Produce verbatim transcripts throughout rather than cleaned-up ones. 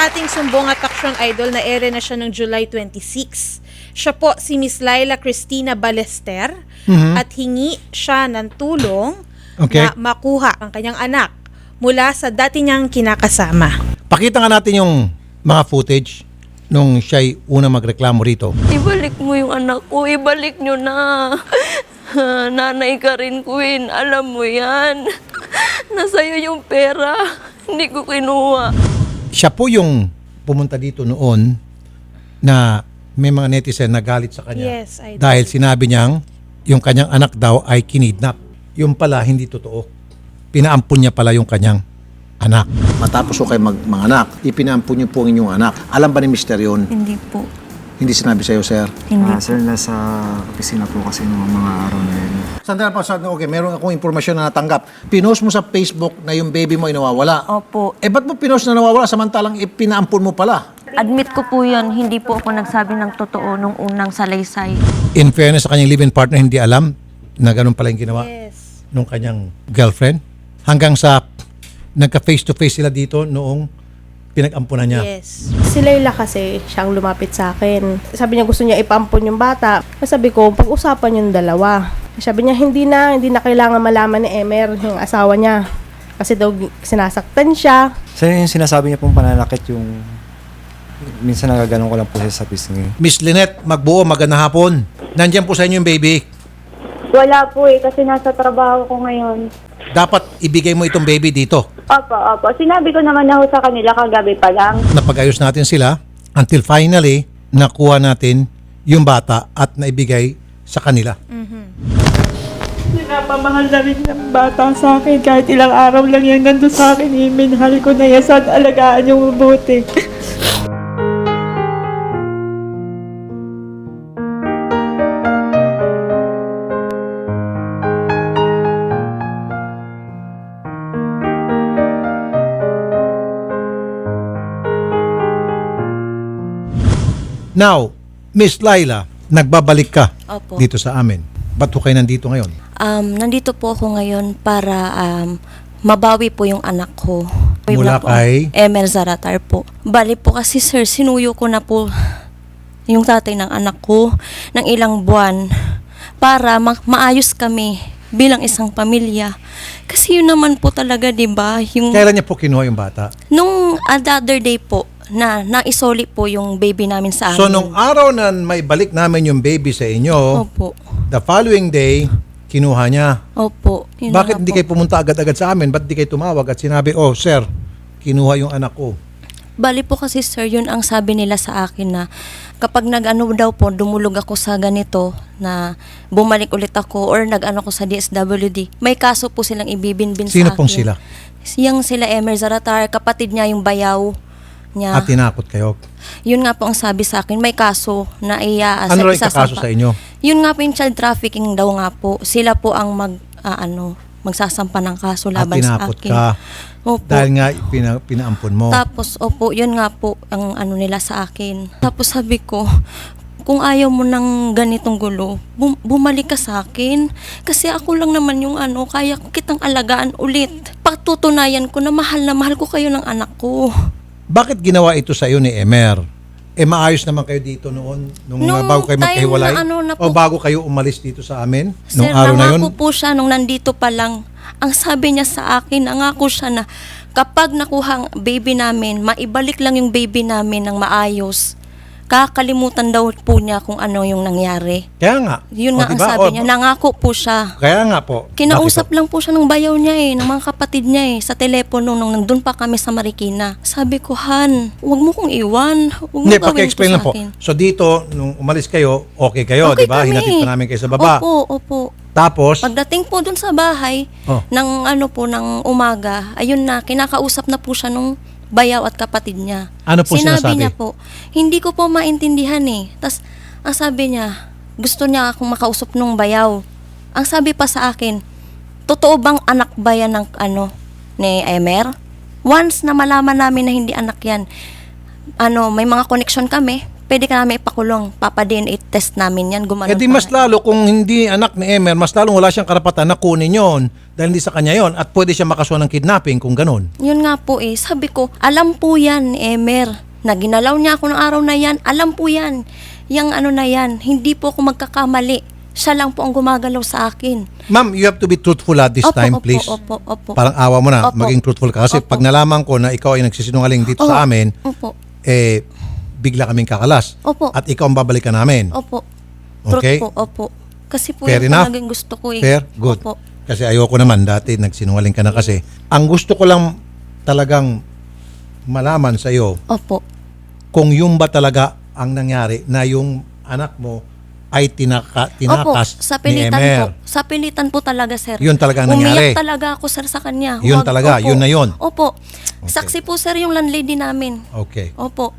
ating sumbong at aksyon idol na ere na siya ng July twenty-six. Siya po si Miss Laila Cristina Ballester Mhm. at hingi siya ng tulong Okay. na makuha ang kanyang anak mula sa dati niyang kinakasama. Pakita nga natin yung mga footage nung siya'y una magreklamo rito. Ibalik mo yung anak ko, ibalik nyo na. Nanay ka rin, Queen. Alam mo yan. Nasa'yo yung pera. Hindi ko kinuha. Siya po yung pumunta dito noon na may mga netizen na galit sa kanya. Yes, I do. Dahil sinabi niyang yung kanyang anak daw ay kinidnap. Yung pala hindi totoo. Pinaampun niya pala yung kanyang anak. Matapos ko kayo mag manganak, ipinaampun niyo po ang inyong anak. Alam ba ni Mister yun? Hindi po. Hindi sinabi sa'yo, sir? Hindi Ah, po. sir, nasa opisina po kasi ng mga araw na yun. Sandali pa, sandali. Okay, meron akong impormasyon na natanggap. Pinost mo sa Facebook na yung baby mo ay nawawala. Opo. Eh, ba't mo pinost na nawawala samantalang ipinaampun mo pala? Admit ko po yun, hindi po ako nagsabi ng totoo nung unang salaysay. In fairness sa kanyang live-in partner, hindi alam na ganun pala yung ginawa Yes. nung kanyang girlfriend. Hanggang sa nagka-face-to-face sila dito noong pinag-ampunan niya. Yes. Si Layla kasi, siyang lumapit sa akin. Sabi niya gusto niya ipampon yung bata. Sabi ko, pag-usapan yung dalawa. Sabi niya, hindi na, hindi na kailangan malaman ni Emer, yung asawa niya. Kasi daw sinasaktan siya. Sir, yung sinasabi niya pong pananakit yung... Minsan nagaganon ko lang po siya sa pisngi. Miss Lynette, magbuo, magandang hapon. Nandiyan po sa inyo yung baby. Wala po eh, kasi nasa trabaho ko ngayon. Dapat ibigay mo itong baby dito. Opo, opo. Sinabi ko naman na ho sa kanila kagabi pa lang. Napag-ayos natin sila until finally, nakuha natin yung bata at naibigay sa kanila. Pinapamahal na rin ng bata sa akin. Kahit ilang araw lang yan nandun sa akin, iminahal ko na yan. Saan alagaan yung mabuti. Now, Miss Laila, nagbabalik ka Opo. dito sa amin. Ba't ho kayo nandito ngayon? Um, nandito po ako ngayon para um, mabawi po yung anak ko. Mula Na po, kay? Emel Zaratar po. Bali po kasi sir, sinuyo ko na po yung tatay ng anak ko ng ilang buwan para ma- maayos kami bilang isang pamilya. Kasi yun naman po talaga, di ba? Yung Kailan niya po kinuha yung bata? nung other day po na naisoli po yung baby namin sa amin. So, nung araw na may balik namin yung baby sa inyo, Opo. the following day, kinuha niya. Opo. Yun na Bakit nga hindi po. kayo pumunta agad-agad sa amin? Ba't di kayo tumawag at sinabi, oh, sir, kinuha yung anak ko? Bali po kasi sir, yun ang sabi nila sa akin na kapag nag-ano daw po, dumulog ako sa ganito na bumalik ulit ako or nag-ano ko sa D S W D, may kaso po silang ibibinbin Sino sa akin. pong sila? Yung sila Emer Zaratar, kapatid niya yung bayaw niya. At tinakot kayo. Yun nga po ang sabi sa akin, may kaso na iya Ano rin kakaso sa inyo? Yun nga po yung child trafficking daw nga po. Sila po ang mag, ah, ano, magsasampa ng kaso At laban sa tinakot akin. ka. Opo. Dahil nga pina, pinaampon mo. Tapos, opo, yun nga po ang ano nila sa akin. Tapos sabi ko, kung ayaw mo ng ganitong gulo, bum- bumalik ka sa akin. Kasi ako lang naman yung ano, kaya ko kitang alagaan ulit. Patutunayan ko na mahal na mahal ko kayo ng anak ko. Bakit ginawa ito sa iyo ni Emer? Eh maayos naman kayo dito noon nung Nung uh, bago kayo time magkahiwalay? na ano na o po- bago kayo umalis dito sa amin? Nung Sir, araw na yun? nangako po siya nung nandito pa lang. Ang sabi niya sa akin, nangako siya na kapag nakuha ang baby namin, maibalik lang yung baby namin ng maayos. Kakalimutan daw po niya kung ano yung nangyari. Kaya nga. Yun O, nga ang diba? sabi O, niya, nangako po siya. Kaya nga po. Kinausap Bakit lang po siya ng bayaw niya eh, ng mga kapatid niya eh, sa telepono nung nandun pa kami sa Marikina. Sabi ko, Han, huwag mo kong iwan. Huwag mo Hindi, gawin paki-explain to lang sa po. akin. So dito, nung umalis kayo, okay kayo, di Okay ba? kami. Hinatid pa namin kayo sa baba. Opo, opo. Tapos, Pagdating po dun sa bahay, Oh. ng ano po, ng umaga, ayun na, kinakausap na po siya nung bayaw at kapatid niya. Ano po Sinabi sinasabi? niya po, hindi ko po maintindihan eh. Tapos, ang sabi niya, gusto niya akong makausap nung bayaw. Ang sabi pa sa akin, totoo bang anak ba yan ng ano, ni Emer? Once na malaman namin na hindi anak yan, ano, may mga connection kami, pwede ka namin ipakulong. Papa-D N A test namin yan. Gumanon Eh di pa mas nga. lalo kung hindi anak ni Emer, mas lalong wala siyang karapatan na kunin yon dahil hindi sa kanya yon at pwede siya makasuhan ng kidnapping kung ganun. Yun nga po eh. Sabi ko, alam po yan ni Emer. Na ginalaw niya ako ng araw na yan. Alam po yan. Yang ano na yan. Hindi po ako magkakamali. Siya lang po ang gumagalaw sa akin. Ma'am, you have to be truthful at this Opo, time, opo, please. opo, opo. Parang awa mo na, Opo. maging truthful ka. Kasi Opo. pag nalaman ko na ikaw ay nagsisinungaling dito sa Oo. amin, Opo. eh, bigla kaming kakalas. Opo. At ikaw ang babalikan namin. Opo. Okay. Truth po, opo. Kasi po Fair yung enough. talagang gusto ko eh. Fair? Good. Opo. Kasi ayoko naman, dati nagsinungaling ka na kasi. Ang gusto ko lang talagang malaman sa iyo, Opo. kung yung ba talaga ang nangyari na yung anak mo ay tinaka, Opo, tinakas sa ni pilitan Emer. po. Sa pilitan po talaga, sir. Yun talaga ang nangyari. Umiyak talaga ako, sir, sa kanya. Yun Huwag- talaga, opo. yun na yun. Opo. Saksi po, sir, yung landlady namin. Okay. Opo.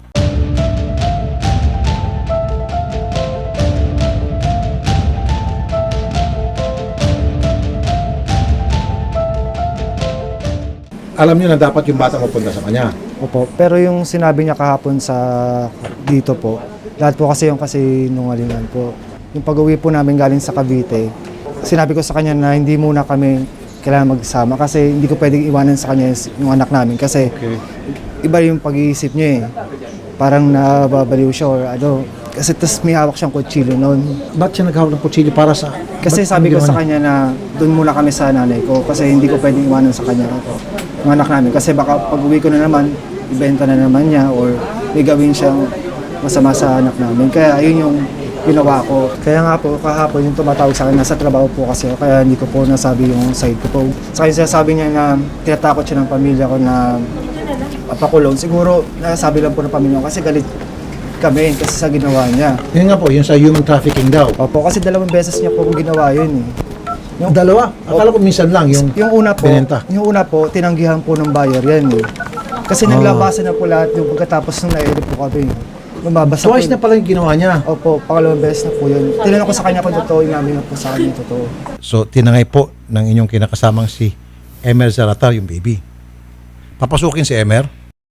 Alam niyo na dapat yung bata mapunta sa kanya. Opo, pero yung sinabi niya kahapon sa dito po, lahat po kasi yung kasi nungalingan po. Yung pag-uwi po namin galing sa Cavite, sinabi ko sa kanya na hindi muna kami kailangan magsama kasi hindi ko pwedeng iwanan sa kanya yung anak namin kasi Okay. iba yung pag-iisip niya eh. Parang nababaliw siya or ano. Kasi tas may hawak siyang kutsilyo noon. Ba't siya naghawak ng kutsilyo para sa... Kasi ba't sabi ko ginawa sa niya? kanya na doon muna kami sa nanay ko kasi hindi ko pwedeng iwanan sa kanya yung anak namin. Kasi baka pag uwi ko na naman, ibenta na naman niya or may gawin siyang masama sa anak namin. Kaya yun yung ginawa ko. Kaya nga po, kahapon yung tumatawag sa akin, nasa trabaho po kasi ako, kaya hindi ko po nasabi yung side ko po. Sa kanya sinasabi niya na tinatakot siya ng pamilya ko na papakulong. Siguro nasabi lang po ng pamilya ko kasi galit kami kasi sa ginawa niya. Yun nga po, yung sa human trafficking daw. Opo, kasi dalawang beses niya po ginawa yun eh. Yung dalawa? Akala ko minsan lang yung... Yung una po, binenta. yung una po, tinanggihan po ng buyer yan eh. Kasi Ah. naglabasan na po lahat yung pagkatapos nung na-edit po kami. Lumabasa Twice po. na pala yung ginawa niya. Opo, pangalawang beses na po yun. Tinanong ko sa kanya kung totoo, yung namin na po sa kanya totoo. So, tinangay po ng inyong kinakasamang si Emer Zaratar, yung baby. Papasukin si Emer.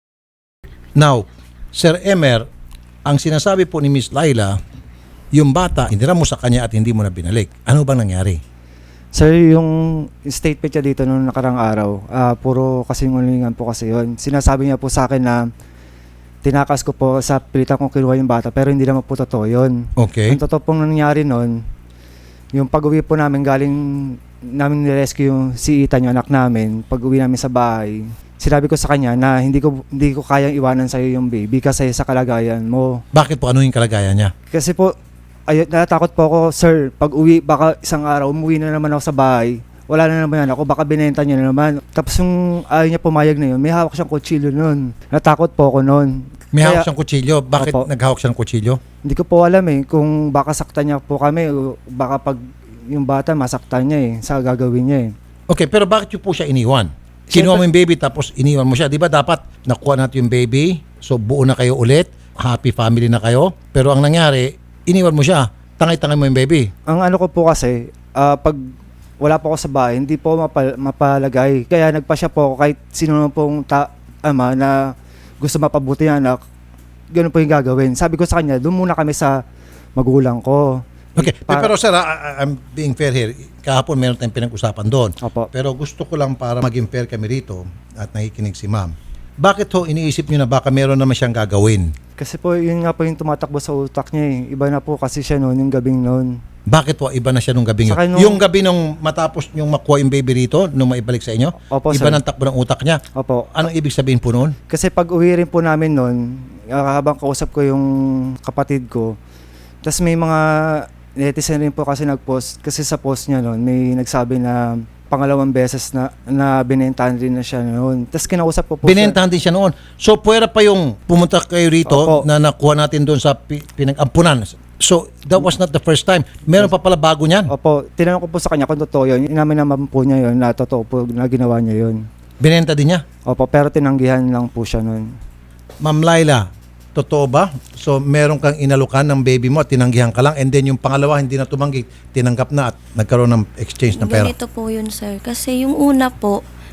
Now, Sir Emer, ang sinasabi po ni Miss Laila, yung bata, hinira mo sa kanya at hindi mo na binalik. Ano bang nangyari? Sir, yung statement niya dito nung nakarang araw, ah, puro kasinungalingan po kasi yun. Sinasabi niya po sa akin na tinakas ko po sa pilitan kong kinuha yung bata pero hindi naman po totoo yun. Okay. Ang totoo pong nangyari nun, yung pag-uwi po namin galing namin nirescue yung si Ethan, yung anak namin, pag-uwi namin sa bahay, sinabi ko sa kanya na hindi ko hindi ko kayang iwanan sa iyo yung baby kasi sa kalagayan mo. Bakit po? Ano yung kalagayan niya? Kasi po, ay, natatakot po ako, sir, pag-uwi, baka isang araw, umuwi na naman ako sa bahay, wala na naman yan ako, baka binenta niya na naman. Tapos yung ayaw niya pumayag na yun, may hawak siyang kutsilyo nun. Natakot po ako nun. May Kaya- hawak siyang kutsilyo. Bakit Opo. naghawak siya ng kutsilyo? Hindi ko po alam eh, kung baka saktan niya po kami, o baka pag yung bata masaktan niya eh, sa gagawin niya eh. Okay, pero bakit yung po siya iniwan? Kinuha mo yung baby tapos iniwan mo siya. Di ba dapat nakuha natin yung baby, so buo na kayo ulit, happy family na kayo. Pero ang nangyari, iniwan mo siya. Tangay-tangay mo yung baby. Ang ano ko po kasi, ah, pag wala po ako sa bahay, hindi po mapal- mapalagay. Kaya nagpa siya po ako kahit sino naman pong ta- ama na gusto mapabuti ng anak, ganun po yung gagawin. Sabi ko sa kanya, doon muna kami sa magulang ko. Okay, Pa- pero sir, I- I- I'm being fair here. Kahapon meron tayong pinag-usapan doon. Opo. Pero gusto ko lang para maging fair kami rito at nakikinig si ma'am. Bakit ho iniisip niyo na baka meron naman siyang gagawin? Kasi po, yun nga po yung tumatakbo sa utak niya eh. Iba na po kasi siya noon, yung gabing noon. Bakit po iba na siya nung gabi Saka yun? nung- Yung gabi nung matapos yung makuha yung baby rito, nung maibalik sa inyo, Opo, iba sir. ng takbo ng utak niya. Opo. Anong ibig sabihin po noon? Kasi pag uwi rin po namin noon, ah, habang kausap ko yung kapatid ko, tas may mga netizen rin po kasi nag-post, kasi sa post niya noon, may nagsabi na pangalawang beses na, na binentahan rin na siya noon. Tas kinausap ko po Binentahan din siya noon. So, puwera pa yung pumunta kayo rito Opo. na nakuha natin doon sa pi- pinag-ampunan. So, that was not the first time. Meron pa pala bago niyan. Sa, opo, tinanong ko po sa kanya kung totoo yun. Inamin naman po niya yun na totoo po na ginawa niya yun. Binenta din niya. Opo, pero tinanggihan lang po siya noon. Ma'am Laila, totoo ba? So, meron kang inalukan ng baby mo at tinanggihan ka lang and then yung pangalawa hindi na tumanggi, tinanggap na at nagkaroon ng exchange ng pera. Ganito po yun, sir. Kasi yung una po,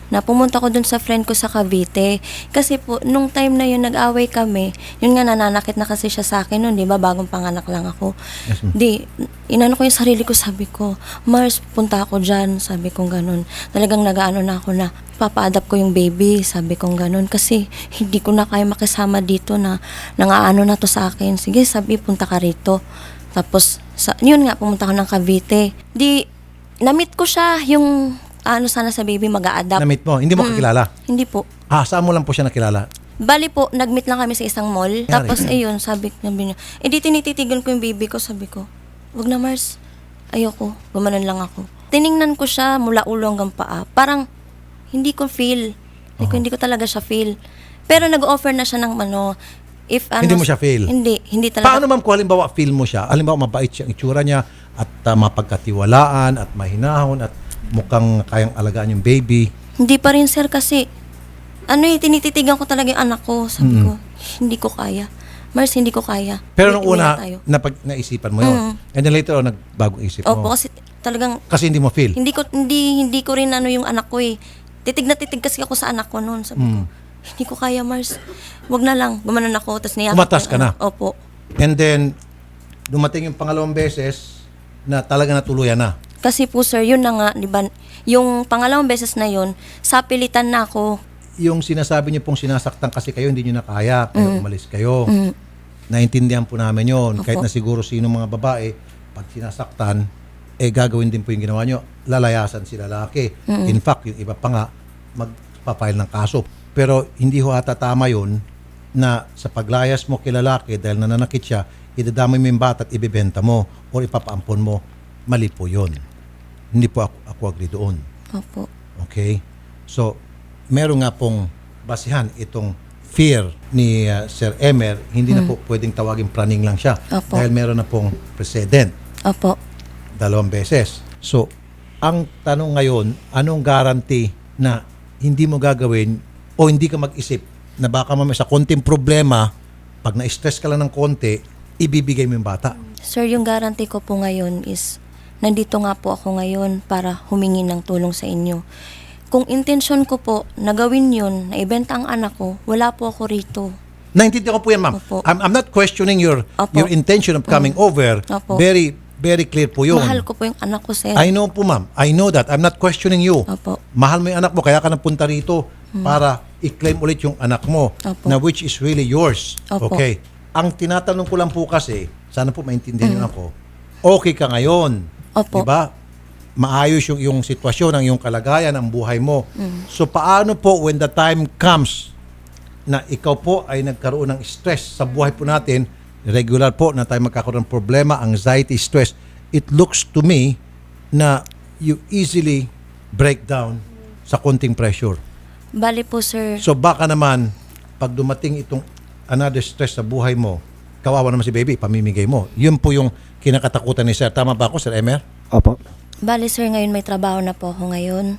na pumunta ko dun sa friend ko sa Cavite. Kasi po, nung time na yun, nag-away kami, yun nga, nananakit na kasi siya sa akin nun, di ba? Bagong panganak lang ako. Yes, ma'am. Di, inano ko yung sarili ko, sabi ko, Mars, punta ako dyan, sabi kong ganun. Talagang nag-ano na ako na, papa-adapt ko yung baby, sabi kong ganun. Kasi hindi ko na kaya makisama dito na nangaano na to sa akin. Sige, sabi, punta ka rito. Tapos, sa, yun nga, pumunta ko ng Cavite. Di, na-meet ko siya, yung ano sana sa baby mag-a-adapt. Na-meet mo, hindi mo kakilala. Hindi po. Ah, saan mo lang po siya nakilala? Bali po, nag-meet lang kami sa isang mall. Yari. Tapos, ayun, sabi, sabi niya, eh di tinititigan ko yung baby ko. Sabi ko, wag na Mars, ayoko, gumanon lang ako. Tiningnan ko siya mula ulo hanggang paa. Parang, hindi ko feel. Hindi ko, hindi ko talaga siya feel. Pero nag-offer na siya ng ano, if ano. Hindi mo siya feel? Hindi, hindi talaga. Paano ma'am kung halimbawa feel mo siya? Halimbawa mabait siya ang itsura niya at uh, mapagkatiwalaan at mahinahon at mukhang kayang alagaan yung baby. Hindi pa rin sir kasi, ano eh, tinititigan ko talaga yung anak ko. Sabi ko, hindi ko kaya. Mars, hindi ko kaya. Pero nung Uwi- uwi una, na tayo. napag, naisipan mo yun. Mm. And then later on, nagbagong isip Opo, mo. kasi talagang, Kasi hindi mo feel. hindi ko, hindi, hindi ko rin ano yung anak ko eh. Titig na titig kasi ako sa anak ko noon. Sabi ko, hindi ko kaya Mars. Wag na lang. Gumanon ako. Tapos niyakap Umatas ko ka yung na? anak. Opo. And then, dumating yung pangalawang beses na talaga natuluyan na. Kasi po sir, yun na nga, di ba, yung pangalawang beses na yun, sa pilitan na ako. Yung sinasabi niyo pong sinasaktan kasi kayo, hindi niyo na kaya, kaya umalis kayo. Mm. Naintindihan po namin yun. Kahit Opo. na siguro sino mga babae, pag sinasaktan, eh gagawin din po yung ginawa nyo. Lalayasan si lalaki. In fact, yung iba pa nga, magpapile ng kaso. Pero hindi ho ata tama yun na sa paglayas mo kay lalaki dahil nananakit siya, idadamay mo yung bata at ibibenta mo o ipapaampon mo. Mali po yun. Hindi po ako, ako agree doon. Opo. Okay? So, meron nga pong basihan itong fear ni uh, Sir Emer, hindi na po pwedeng tawagin praning lang siya. Opo. Dahil meron na pong precedent, Opo. dalawang beses. So, ang tanong ngayon, anong guarantee na hindi mo gagawin o hindi ka mag-isip na baka mamaya sa konting problema, pag na-stress ka lang ng konti, ibibigay mo yung bata. Sir, yung guarantee ko po ngayon is, nandito nga po ako ngayon para humingi ng tulong sa inyo. Kung intensyon ko po na gawin yun, na ibenta ang anak ko, wala po ako rito. Naintindihan ko po yan, ma'am. Opo. I'm, I'm not questioning your Opo. your intention of coming over. Opo. Very, very clear po yun. Mahal ko po yung anak ko, sir. I know po, ma'am. I know that. I'm not questioning you. Opo. Mahal mo yung anak mo, kaya ka napunta rito para i-claim ulit yung anak mo, Opo. na which is really yours. Opo. Okay. Ang tinatanong ko lang po kasi, sana po maintindihan niyo ako, okay ka ngayon. Opo. Diba? Maayos yung, yung sitwasyon, ang yung kalagayan, ang buhay mo. So paano po when the time comes na ikaw po ay nagkaroon ng stress sa buhay po natin, regular po na tayo magkakaroon ng problema, anxiety, stress, it looks to me na you easily break down sa konting pressure. Bali po, sir. So baka naman, pag dumating itong another stress sa buhay mo, kawawa naman si baby, pamimigay mo. Yun po yung kinakatakutan ni Sir. Tama ba ako, Sir Emer? Opo. Bali, sir, ngayon may trabaho na po ako ngayon.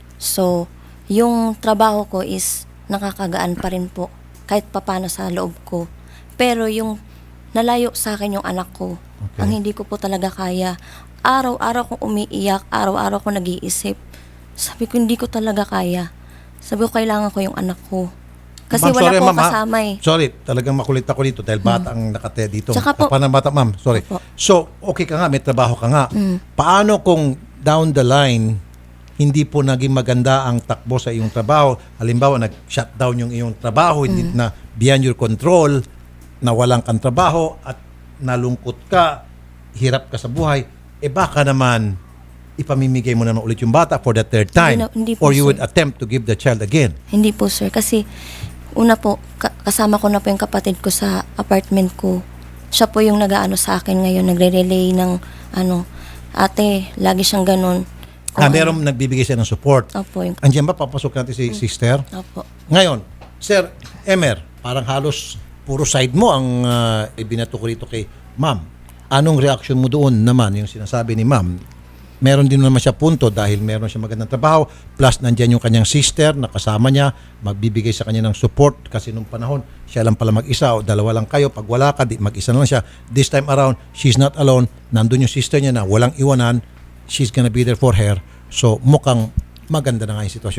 So, yung trabaho ko is nakakagaan pa rin po. Kahit papano sa loob ko. Pero yung nalayo sa akin yung anak ko, Okay. ang hindi ko po talaga kaya. Araw-araw kong umiiyak, araw-araw kong nag-iisip. Sabi ko, hindi ko talaga kaya. Sabi ko, kailangan ko yung anak ko. Kasi Ma'am, wala sorry, po ma'am, ha? kasama eh. Sorry, talagang makulit ako dito dahil bata ang nakataya dito. Tsaka po- Kapag ng bata, ma'am, sorry. Opo. So, okay ka nga, may trabaho ka nga. Mm. Paano kung down the line, hindi po naging maganda ang takbo sa iyong trabaho? Halimbawa, nag-shutdown yung iyong trabaho, hindi Mm. na beyond your control, nawalan kang trabaho at nalungkot ka, hirap ka sa buhay, eh baka naman ipamimigay mo naman ulit yung bata for the third time. Hindi na- hindi po, or you sir. would attempt to give the child again. Hindi po, sir. Kasi, una po, ka- kasama ko na po yung kapatid ko sa apartment ko. Siya po yung nag-aano sa akin ngayon, nagre-relay ng, ano, ate, lagi siyang ganun. Kung Ah, meron nagbibigay siya ng support. ano- Opo, yung, Andiyan ba, papasok natin si sister? opo. Ngayon, Sir Emer, parang halos puro side mo ang uh, ibinato ko rito kay ma'am. Anong reaction mo doon naman, yung sinasabi ni ma'am? Meron din naman siya punto dahil meron siya magandang trabaho, plus nandyan yung kanyang sister na kasama niya, magbibigay sa kanya ng support kasi nung panahon, siya lang pala mag-isa o dalawa lang kayo. Pag wala ka, di, mag-isa na lang siya. This time around, she's not alone. Nandun yung sister niya na walang iwanan. She's gonna be there for her. So mukhang maganda na nga yung sitwasyon niya.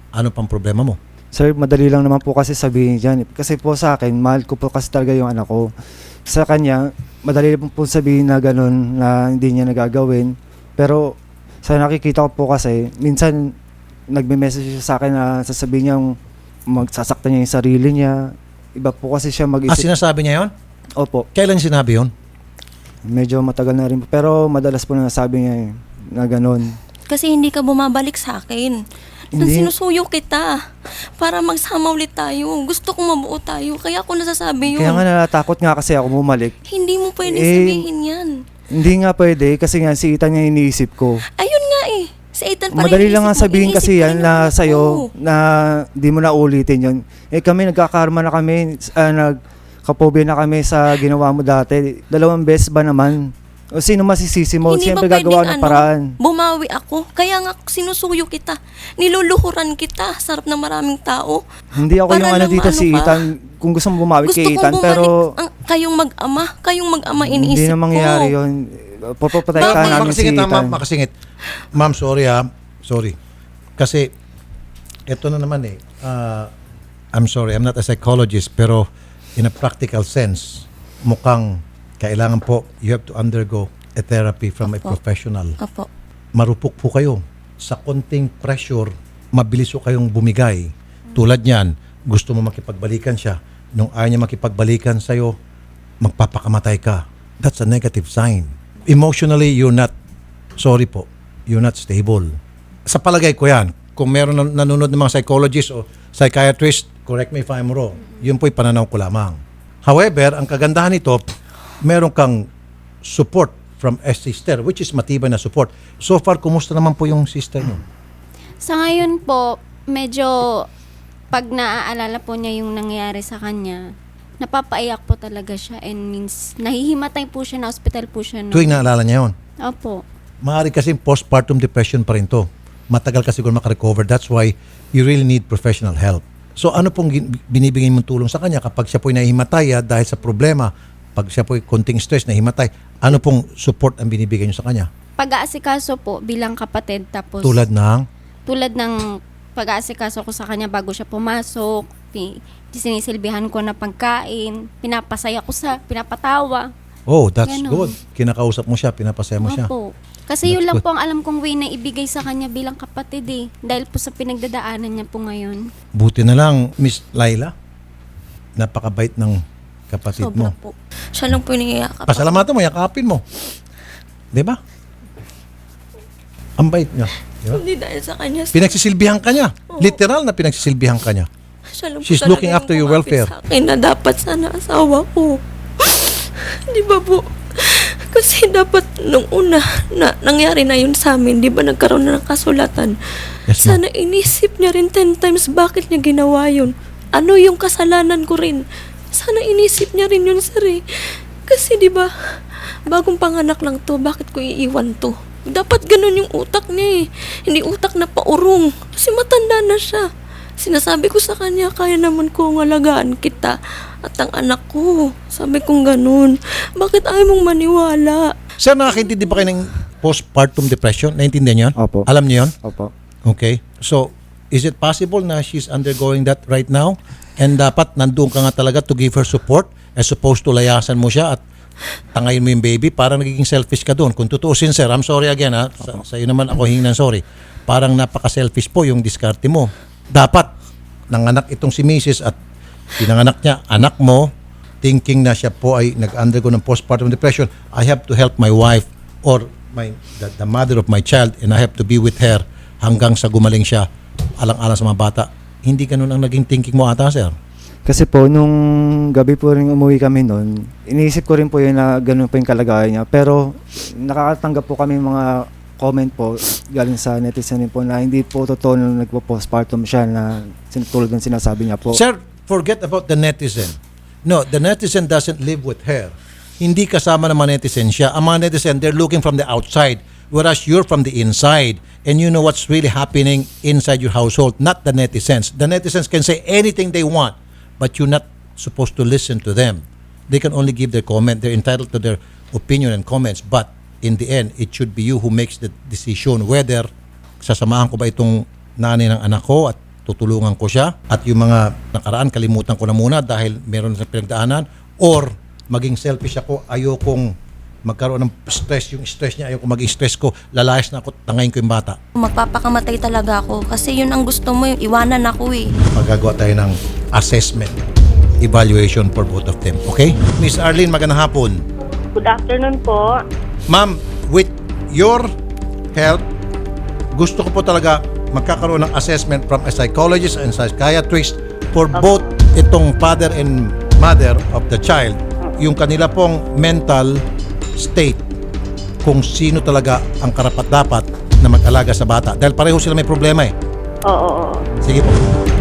Ano pang problema mo? Sir, madali lang naman po kasi sabihin dyan. Kasi po sa akin, mahal ko po kasi talaga yung anak ko. Sa kanya, madali po po sabihin na gano'n na hindi niya nagagawin. Pero sa nakikita ko po kasi, minsan nagme-message siya sa akin na sasabihin niya magsasaktan niya yung sarili niya. Iba po kasi siya Ah, mag-isip. sinasabi niya yon? Opo, Kailan sinabi yon? medyo matagal na rin po. Pero madalas po na sabi niya eh, na gano'n. Kasi hindi ka bumabalik sa akin. Hindi. Sinusuyo kita para magsama ulit tayo. Gusto kong mabuo tayo. Kaya ako nasasabi yun. Kaya nga natatakot nga kasi ako bumalik. Hindi mo pwede Eh, sabihin yan. Hindi nga pwede kasi nga si Ethan yung iniisip ko. Ayun nga eh. Sa Ethan pa rin Madali lang iniisip nga mo, sabihin iniisip kasi ko yan rin na ako. sa'yo na di mo na ulitin yun. Eh kami nagkakarma na kami, uh, nagkapobia na kami sa ginawa mo dati. Dalawang beses ba naman? O sino masisisi mo? Hindi Siyempre ba gagawa pwedeng ng paraan. bumawi ako. Kaya nga sinusuyo kita. Niluluhuran kita. Sarap ng maraming tao. Hindi ako Para yung ano lang dito maano si ka. Ethan. Kung gusto mo bumawi Gusto kay kong Ethan, bumalik pero ang, kayong mag-ama. Kayong mag-ama hindi iniisip na ko. mangyayari yun. Papapatay ka Ma- namin si makasingit, ha, Ethan. ma'am, makasingit. Ma'am, sorry ha. Sorry. Kasi, eto na naman eh. Uh, I'm sorry, I'm not a psychologist, pero in a practical sense, mukhang kailangan po, you have to undergo a therapy from a Opo. professional. Opo. Marupok po kayo. Sa konting pressure, mabilis po kayong bumigay. Tulad niyan, gusto mo makipagbalikan siya. Nung ayaw niya makipagbalikan sa'yo, magpapakamatay ka. That's a negative sign. Emotionally, you're not, sorry po, you're not stable. Sa palagay ko yan, kung meron nan- nanonood ng mga psychologist o psychiatrist, correct me if I'm wrong, yun po'y pananaw ko lamang. However, ang kagandahan nito, meron kang support from a sister, which is matibay na support. So far, kumusta naman po yung sister niyo? Sa ngayon po, medyo pag naaalala po niya yung nangyari sa kanya, napapaiyak po talaga siya and means nahihimatay po siya, na hospital po siya. No? Tuwing naalala niya yun. Opo. Maaari kasi postpartum depression pa rin to. Matagal kasi siguro makarecover. That's why you really need professional help. So ano pong gin- binibigay mong tulong sa kanya kapag siya po'y nahihimatay ah, dahil sa problema, pag siya po'y konting stress, nahihimatay, ano pong support ang binibigay niyo sa kanya? Pag-aasikaso po bilang kapatid, tapos Tulad ng, tulad ng pag-aasikaso ko sa kanya bago siya pumasok, pi- sinisilbihan ko na pagkain, pinapasaya ko sa, pinapatawa. oh, that's Ganon. good. Kinakausap mo siya, pinapasaya mo siya. Opo. Kasi yun That's lang good. po ang alam kong way na ibigay sa kanya bilang kapatid eh. Dahil po sa pinagdadaanan niya po ngayon. Buti na lang, Miss Laila, napakabait ng kapatid mo. Sobra po. Siya lang po yung nangiyakap. Pasalamatan mo, yakapin mo. Di ba? Ang bait niya. Di ba? Hindi dahil sa kanya. Pinagsisilbihan ka niya. Literal na pinagsisilbihan ka niya. Siya lang po She's talaga looking yung after your kumapit welfare. Sa akin na dapat sana asawa ko. Di ba po? Kasi dapat nung una na nangyari na yun sa amin, di ba nagkaroon na ng kasulatan? Yes, ma'am. Sana inisip niya rin ten times bakit niya ginawa yun. Ano yung kasalanan ko rin? Sana inisip niya rin yun, sir eh. Kasi di ba, bagong panganak lang to, bakit ko iiwan to? Dapat ganun yung utak niya eh. Hindi utak na paurong. Kasi matanda na siya. Sinasabi ko sa kanya, kaya naman kong alagaan kita at ang anak ko. Sabi kong ganun. Bakit ayaw mong maniwala? Sir, nakakaintindi ba kayo ng postpartum depression? Naintindihan niyo yun? Opo. Alam niyo yun? Opo. Okay. So, is it possible na she's undergoing that right now? And dapat nandun ka nga talaga to give her support as opposed to layasan mo siya at tangayin mo yung baby, parang nagiging selfish ka doon. Kung tutuusin, sir, I'm sorry again ha. Sa, sa iyo naman ako hingin ng sorry. Parang napaka-selfish po yung diskarte mo. Dapat, nanganak itong si Missus at pinanganak niya, anak mo, thinking na siya po ay nag-undergo ng postpartum depression, I have to help my wife or my the, the mother of my child and I have to be with her hanggang sa gumaling siya, alang-alang sa mga bata. Hindi ganun ang naging thinking mo ata, sir. Kasi po, nung gabi po rin umuwi kami noon, iniisip ko rin po yun na ganun po yung kalagayan niya. Pero nakakatanggap po kami mga comment po galing sa netizen po na hindi po totoo nung nagpo-postpartum siya na sin- tulad ng sinasabi niya po. Sir, forget about the netizen. No, the netizen doesn't live with her. Hindi kasama ng mga netizen siya. Ang mga netizen, they're looking from the outside, whereas you're from the inside. And you know what's really happening inside your household, not the netizens. The netizens can say anything they want, but you're not supposed to listen to them. They can only give their comment. They're entitled to their opinion and comments, but in the end, it should be you who makes the decision whether sasamahan ko ba itong nanay ng anak ko at tutulungan ko siya at yung mga nakaraan kalimutan ko na muna dahil meron sa pinagdaanan, or maging selfish ako, ayokong magkaroon ng stress, yung stress niya, ayoko maging stress ko, lalayas na ako, tangayin ko yung bata. Magpapakamatay talaga ako kasi yun ang gusto mo, yung iwanan ako eh. Magagawa tayo ng assessment, evaluation for both of them. Okay? Miss Arlene, magandang hapon. Good afternoon po. Ma'am, with your help, gusto ko po talaga magkakaroon ng assessment from a psychologist and psychiatrist for both itong father and mother of the child, yung kanila pong mental state, kung sino talaga ang karapat-dapat na mag-alaga sa bata. Dahil pareho sila may problema eh. Oo, oo, oo. Sige po.